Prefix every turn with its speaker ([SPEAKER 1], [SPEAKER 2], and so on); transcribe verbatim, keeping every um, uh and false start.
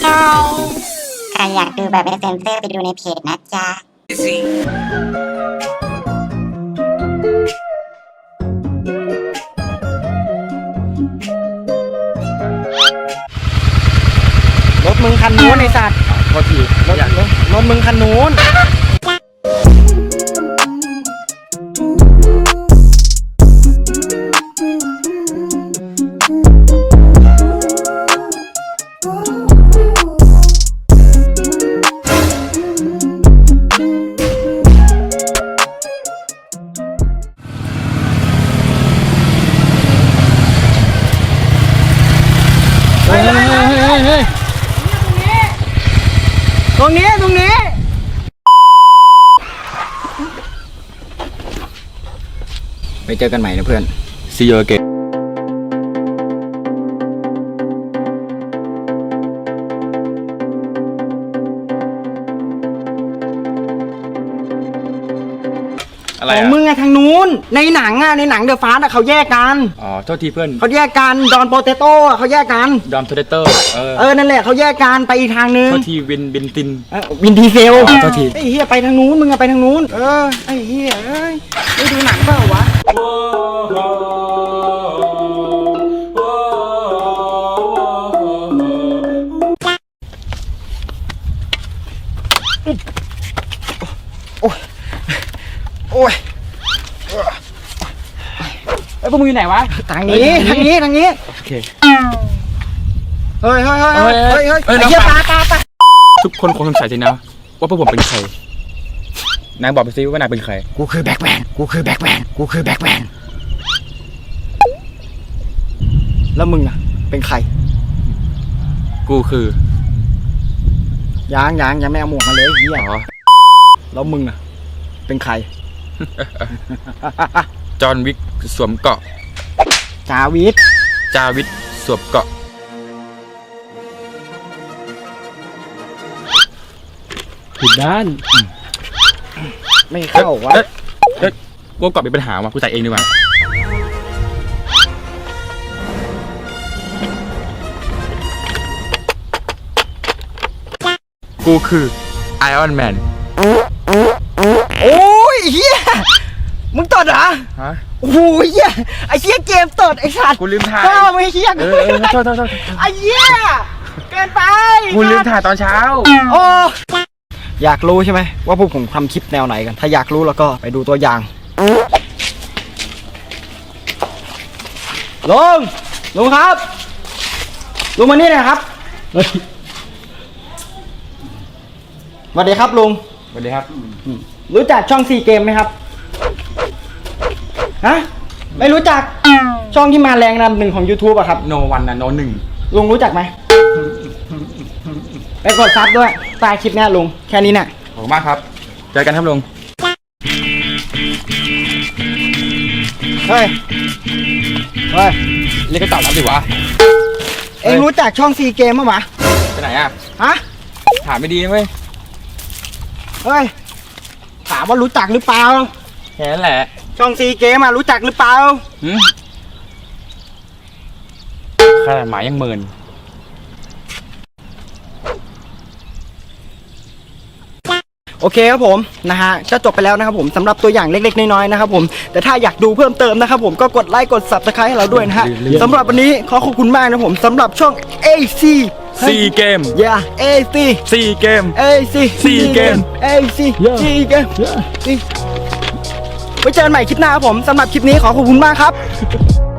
[SPEAKER 1] ใครอยากดูแบบไม่เซ็นเซอร์ไปดูในเพจนะจ๊ะ
[SPEAKER 2] รถมึงคันนู้นไอ้สัตว์โทษทีรถรถรถมึงคันนู้นตรงนี้ตรงนี้ไปเจอกันใหม่นะเพื่อน
[SPEAKER 3] See you again อะไร
[SPEAKER 2] ของ
[SPEAKER 3] อ่ะ
[SPEAKER 2] มึงอะทางนู้นในหนังอะในหนังเดอะฟาสต์อะเขาแยกกัน
[SPEAKER 3] อ๋อโทษทีเพื่อน
[SPEAKER 2] เขาแยกกันดอนโปเตโต้เขาแยกกัน
[SPEAKER 3] ดอมโทเดเตอร์เออ
[SPEAKER 2] เออนั่นแหละเขาแยกกันไปอีกทางนึง
[SPEAKER 3] โทษทีวินบินติน
[SPEAKER 2] เอ้าวินดีเซล
[SPEAKER 3] อ๋อโทษที
[SPEAKER 2] ไอ้เหี้ยไปทางนู้นมึงอะไปทางนู้นเออไอ้เหี้ยเอ้ยไม่ดูหนังเปล่าวะโอ้ยโอ้ยไอ้พวกมึงอยู่ไหนวะทางนี้ทางนี้ทางนี้
[SPEAKER 3] โอเค
[SPEAKER 2] เฮ้ยเฮ้ยเฮ้ยเฮ้ยเฮ้ยเฮ้ย
[SPEAKER 3] เฮ้ย
[SPEAKER 2] ไอ้เหี้ย
[SPEAKER 3] น้
[SPEAKER 2] ป
[SPEAKER 3] อง
[SPEAKER 2] ลา
[SPEAKER 3] ป
[SPEAKER 2] ป
[SPEAKER 3] ลา
[SPEAKER 2] ลาปลา
[SPEAKER 3] ทุกคนคงสงสัยสินะว่าพวกผมเป็นใครนายบอกไปซิว่านายเป็นใคร
[SPEAKER 2] กูคือแบ็คแมนกูคือแบ็คแมนกูคือแบ็คแมนแล้วมึงอะเป็นใคร
[SPEAKER 3] กูคือ
[SPEAKER 2] ยังยังยังไม่เอาหมวกมาเลยไอ้เหี้ย
[SPEAKER 3] อ๋อ
[SPEAKER 2] แล้วมึงอะเป็นใคร
[SPEAKER 3] จอห์นวิกสวมเกราะ
[SPEAKER 2] จาวิท
[SPEAKER 3] จาวิทสวมเกราะ
[SPEAKER 4] ผิดด้าน
[SPEAKER 2] ไม่เข้าวะ
[SPEAKER 3] เอ๊ะเอ๊ะกูเกราะมีปัญหาว่ะกูใส่เองดีกว่ากูคือไอออนแมน
[SPEAKER 2] โอ้ยเหี้ยมึงตดเหรอ
[SPEAKER 3] ฮะ
[SPEAKER 2] โอ้ยเหี้ยไอ้เหี้ยเกมตดไอ้สัตว์
[SPEAKER 3] กูลืมถ่าย
[SPEAKER 2] ก็ไม่เหี้ย
[SPEAKER 3] เออเออโทษโทษโทษ
[SPEAKER 2] ไอ้เหี้ยเกินไป
[SPEAKER 3] กูลืมถ่ายตอนเช้า
[SPEAKER 2] โอ้อยากรู้ใช่ไหมว่าพวกผมทำคลิปแนวไหนกัน ถ้าอยากรู้แล้วก็ไปดูตัวอย่างลุงลุงครับลุงมานี่หน่อยครับสวัสดีครับลุง
[SPEAKER 3] สวัสดีครับ
[SPEAKER 2] รู้จักช่องซีเกมไหมครับฮะไม่รู้จักช่องที่มาแรงอันดับหนึ่งของ YouTube อะครับ
[SPEAKER 3] โนวันนะโนหนึ่ง
[SPEAKER 2] ลุงรู้จักไหมไปกดซับด้วยใต้คลิปเนี้ยลุงแค่นี้เนี่ย
[SPEAKER 3] ขอบคุณมากครับ เจอกันครับลุง
[SPEAKER 2] เฮ้ยเฮ้ย
[SPEAKER 3] เรียกก็ตอบรับดิวะ
[SPEAKER 2] เอ็งรู้จักช่องซีเกมมั้ยวะ
[SPEAKER 3] ไปไหนอ่ะ
[SPEAKER 2] ฮะ
[SPEAKER 3] ถามไม่ดีนะเว้ย
[SPEAKER 2] เฮ้ยถามว่ารู้จักหรือเปล่า
[SPEAKER 3] แค่นั้นแหละ
[SPEAKER 2] ช่องซีเกมอะรู้จักหรือเปล่า
[SPEAKER 3] หืมขนาดหมายังเมิน
[SPEAKER 2] โอเคครับผมนะฮะก็จบไปแล้วนะครับผมสำหรับตัวอย่างเล็กๆน้อยๆนะครับผมแต่ถ้าอยากดูเพิ่มเติมนะครับผมก็กดไลค์กด ซับสไครบ์ ให้เราด้วยนะฮะสำหรับวันนี้ขอขอบคุณมากนะผมสำหรับช่อง เอ ซี
[SPEAKER 3] ซีเกม
[SPEAKER 2] yeah เอ ซี
[SPEAKER 3] ซีเกม
[SPEAKER 2] เอ ซี
[SPEAKER 3] ซีเกม
[SPEAKER 2] เอ ซี ซีเกมไว้เจอกันใหม่คลิปหน้าครับผมสำหรับคลิปนี้ขอขอบคุณมากครับ